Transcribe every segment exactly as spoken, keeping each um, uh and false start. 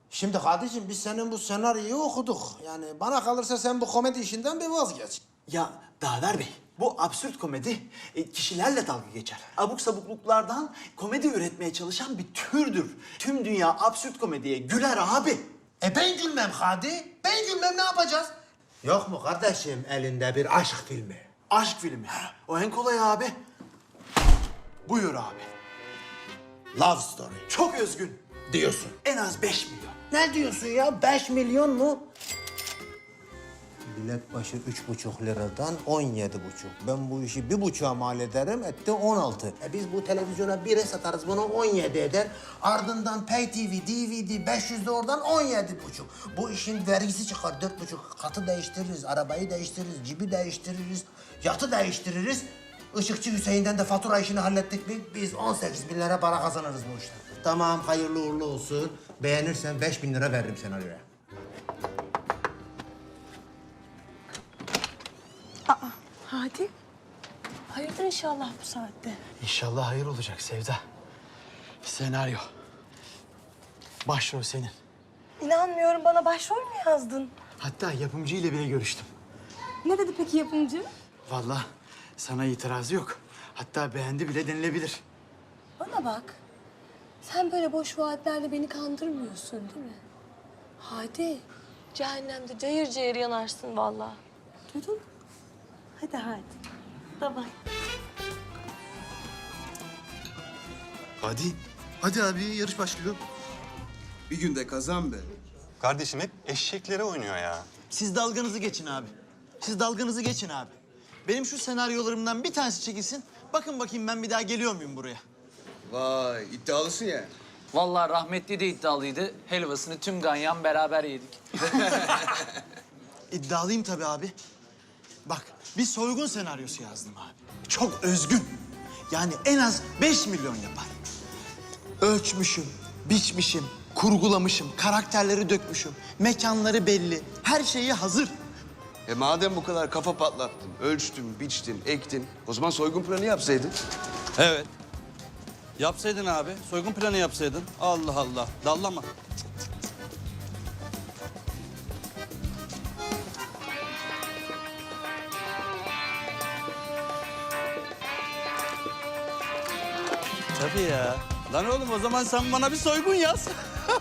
Şimdi kardeşim biz senin bu senaryoyu okuduk. Yani bana kalırsa sen bu komedi işinden bir vazgeç. Ya Daver Bey, bu absürt komedi e, kişilerle dalga geçer. Abuk sabukluklardan komedi üretmeye çalışan bir türdür. Tüm dünya absürt komediye güler abi. E ben gülmem Hadi. Ben gülmem ne yapacağız? Yok mu kardeşim elinde bir aşk filmi? Aşk filmi. O en kolay abi. Buyur abi. Love story. Çok özgün. Diyorsun. En az beş milyon. Ne diyorsun ya? Beş milyon mu? Bilet başı üç buçuk liradan on yedi buçuk. Ben bu işi bir buçuğa mal ederim, etti on altı. E biz bu televizyona bire satarız, bunu on yedi eder. Ardından Pay T V, D V D beş yüz de oradan on yedi buçuk. Bu işin vergisi çıkar, dört buçuk. Katı değiştiririz, arabayı değiştiririz, cibi değiştiririz, yatı değiştiririz. Işıkçı Hüseyin'den de fatura işini hallettik mi biz on sekiz bin lira para kazanırız bu işten. Tamam, hayırlı uğurlu olsun. Beğenirsen beş bin lira veririm senaryoya. Hadi. Hayırdır inşallah bu saatte. İnşallah hayır olacak Sevda. Senaryo. Başrol senin. İnanmıyorum, bana başrol mü yazdın? Hatta yapımcı ile bile görüştüm. Ne dedi peki yapımcı? Vallahi sana itirazı yok. Hatta beğendi bile denilebilir. Bana bak. Sen böyle boş vaatlerle beni kandırmıyorsun değil mi? Hadi. Cehennemde cayır cayır yanarsın vallahi. Duydun mu? Hadi hadi. Bye bye. Hadi. Hadi abi yarış başlıyor. Bir günde kazan be. Kardeşim hep eşeklere oynuyor ya. Siz dalganızı geçin abi. Siz dalganızı geçin abi. Benim şu senaryolarımdan bir tanesi çekilsin. Bakın bakayım ben bir daha geliyor muyum buraya? Vay iddialısın ya. Vallahi rahmetli de iddialıydı. Helvasını tüm ganyan beraber yedik. İddialıyım tabii abi. Bak bir soygun senaryosu yazdım abi. Çok özgün. Yani en az beş milyon yapar. Ölçmüşüm, biçmişim, kurgulamışım, karakterleri dökmüşüm. Mekanları belli, her şeyi hazır. E madem bu kadar kafa patlattın, ölçtün, biçtin, ektin, o zaman soygun planı yapsaydın. Evet. Yapsaydın abi. Soygun planı yapsaydın. Allah Allah. Dallama. Tabii ya. Lan oğlum o zaman sen bana bir soygun yaz.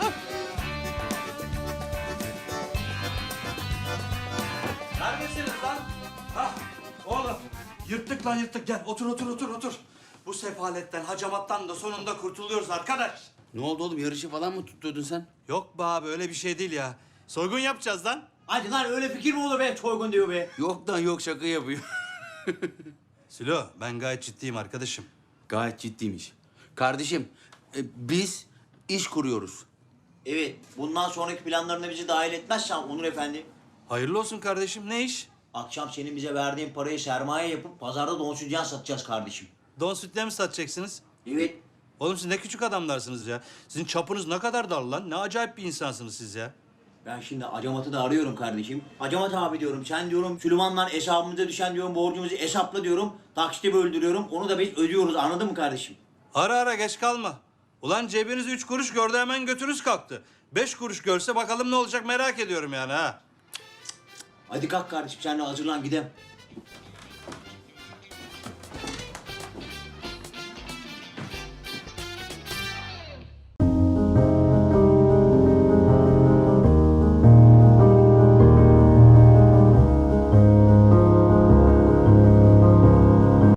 Neredesiniz lan? Hah, oğlum. Yırttık lan yırttık. Gel otur otur otur otur. Bu sefaletten, hacamattan da sonunda kurtuluyoruz arkadaş. Ne oldu oğlum? Yarışı falan mı tutturdun sen? Yok be abi öyle bir şey değil ya. Soygun yapacağız lan. Hadi lan öyle fikir mi olur be? Soygun diyor be. Yok lan yok şaka yapıyor. Sülo ben gayet ciddiyim arkadaşım. Gayet ciddiymiş. Kardeşim e, biz iş kuruyoruz. Evet, bundan sonraki planlarına bizi dahil etmezsen Onur Efendi, Hayırlı olsun kardeşim ne iş? akşam senin bize verdiğin parayı sermaye yapıp pazarda don sütyen satacağız kardeşim. Don sütle mi satacaksınız? Evet, Oğlum siz ne küçük adamlarsınız ya. Sizin çapınız ne kadar dar lan. Ne acayip bir insansınız siz ya. ben şimdi Acamat'ı da arıyorum kardeşim. Acamat abi diyorum, sen diyorum Süleyman'la hesabımıza düşen diyorum borcumuzu hesapla diyorum. Taksite böldürüyorum, onu da biz ödüyoruz, anladın mı kardeşim? Ara ara geç kalma. Ulan cebiniz üç kuruş gördü hemen götünüz kalktı. Beş kuruş görse bakalım ne olacak merak ediyorum yani ha. Hadi kalk kardeşim, sen de hazırlan gidelim.